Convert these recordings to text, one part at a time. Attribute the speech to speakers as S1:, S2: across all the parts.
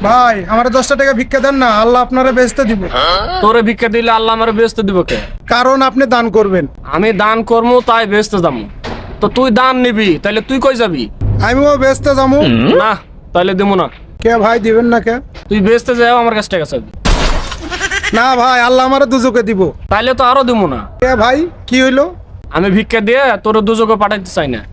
S1: ভাই আমার 10টা টাকা ভিক্ষা দেন না, আল্লাহ আপনারা বেচতে দিব।
S2: তোরে ভিক্ষা দিলে আল্লাহ আমার বেচতে দিব কে?
S1: কারণ আপনি দান করবেন।
S2: আমি দান করবো তাই বেচতে যাবো। তো তুই দান নিবি, তাইলে তুই কই যাবি?
S1: আমিও বেচতে যাবো।
S2: না, তাইলে দেবো না।
S1: কে ভাই দিবেন না কে?
S2: তুই বেচতে যাও, আমার কাছ টাকা চাবি।
S1: না ভাই, আল্লাহ আমার দুজকে দিব।
S2: তাইলে তো আরো দেবো না।
S1: কে ভাই কি হইলো?
S2: আমি ভিক্ষা দিয়ে তোর দুজকে পাঠাইতে চাই না।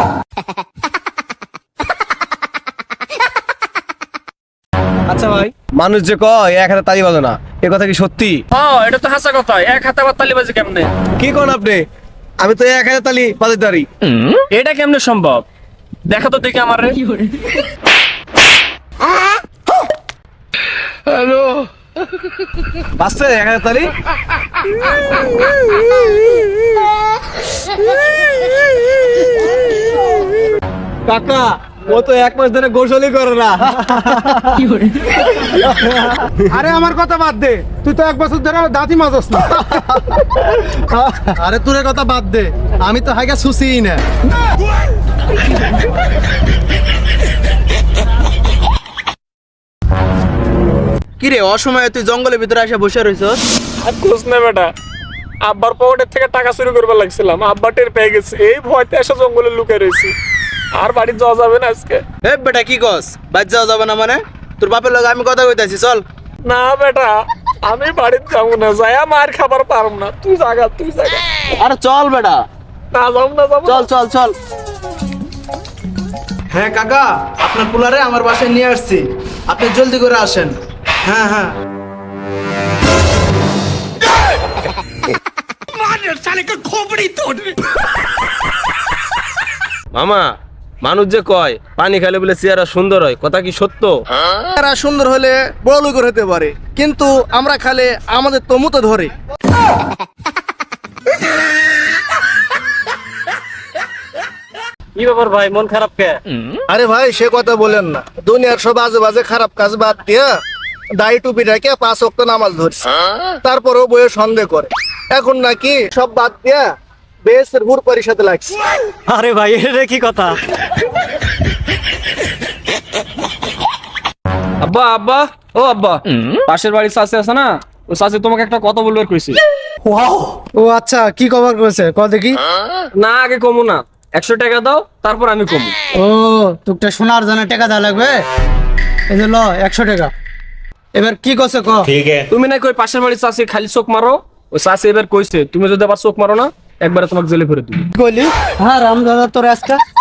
S3: আচ্ছা ভাই, মানুষ যে কয় এক হাতে তালি বাজে না, এ কথা কি সত্যি?
S2: এটা তো হাসা কথা। এক হাতে আবার তালি বাজে কেমনে?
S3: কি কোন আপনি? আমি তো এক হাতে তালি বাজাতে পারি।
S2: এটা কেমনে সম্ভব? দেখা তো দেখি আমার।
S3: বাজছে এক হাতে তালি? কাকা, ও তো 1 মাস ধরে গোসলই করে না।
S1: আরে আমার কথা বাদ দে, তুই তো 1 বছর ধরে দাঁতই মাজস না।
S3: আরে তোর কথা বাদ দে, আমি তো হাইগা সুসিই না।
S4: কিরে অসময়ে তুই জঙ্গলের ভিতরে এসে বসে রইছস?
S2: আর খোঁজ নে বেটা, আব্বার পকেটের থেকে টাকা চুরি করবার লাগছিলাম, আব্বা টের পেয়ে গেছে। এই ভয়তে এসে জঙ্গলে লুকিয়ে রয়েছি। আর বাড়ি যাওয়া যাবে না আজকে।
S4: এ বেটা কি কস? বাদ যাওয়া যাবে না মানে? তোর বাপের লগে আমি কথা কইতাছি, চল।
S2: না বেটা, আমি বাড়িতে যাবো না, যাইয়া মার খাবার পারব না। তুই জাগা, তুই জাগা।
S4: আরে চল বেটা,
S2: না যাবো না, যাবো না।
S4: চল চল চল। হ্যাঁ কাকা, আপনার পোলারে আমার বাসায় নিয়ে আসছি, আপনি জলদি করে আসেন। হ্যাঁ হ্যাঁ।
S3: মামা, মানুষ যে কয় পানি খাইলে বলে চেহারা সুন্দর হয়, কথা কি সত্য?
S4: এরা সুন্দর হলে বড় লোক হতে পারে, কিন্তু আমরা খালে আমাদের তো মুতো ধরে।
S2: কি ব্যাপার ভাই, মন খারাপ কে?
S4: আরে ভাই সে কথা বলেন না, দুনিয়ার সব আজে বাজে খারাপ কাজ বাদ দিয়া দাড়ি টুপি রেখে 5 ওয়াক্ত নামাজ ধরছে, তারপরেও বইয়ে সন্দেহ করে। এখন নাকি সব বাদ দিয়া বেসের হুর পরিষদে লাগছে।
S3: আরে ভাই, এটা কি কথা?
S2: আব্বা, আব্বা, ও আব্বা, পাশের বাড়ির চাচি আছে না, ও চাচি তোমাকে একটা কথা বলবার কইছি।
S1: ও আচ্ছা, কি কভার করেছে ক দেখি।
S2: না, আগে কমু না, 100 টাকা দাও, তারপর আমি কমু।
S1: ও তোকে শোনার জন্য টাকা দেওয়া লাগবে। এই যে ল 100 টাকা। এবার কি করছে ক?
S2: তুমি না কই পাশের বাড়ির চাচি খালি চোখ মারো, ও চাচি এবার কইছে তুমি যদি আবার চোখ মারো না, একবারে তোমাকে জেলে ভরে দিবি।
S1: কইলি হ্যাঁ রাম দাদা তোর আজকে